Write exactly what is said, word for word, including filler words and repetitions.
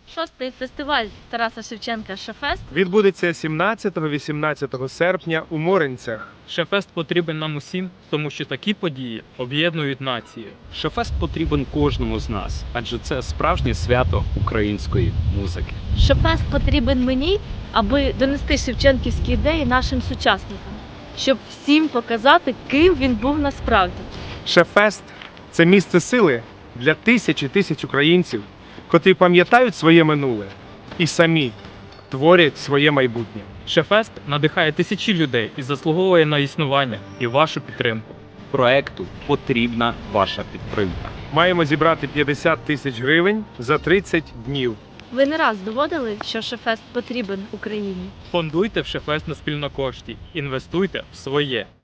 Шостий фестиваль Тараса Шевченка «Шефест» Відбудеться сімнадцятого-вісімнадцятого серпня у Моринцях. Шефест потрібен нам усім, тому що такі події об'єднують націю. Шефест потрібен кожному з нас, адже це справжнє свято української музики. «Шефест» потрібен мені, аби донести шевченківські ідеї нашим сучасникам, щоб всім показати, ким він був насправді. Шефест – це місце сили для тисяч і тисяч українців, котрі пам'ятають своє минуле і самі творять своє майбутнє. Шефест надихає тисячі людей і заслуговує на існування і вашу підтримку. Проекту потрібна ваша підтримка. Маємо зібрати п'ятдесят тисяч гривень за тридцять днів. Ви не раз доводили, що «Шефест» потрібен Україні. Фондуйте в Шефест на спільнокошті, інвестуйте в своє.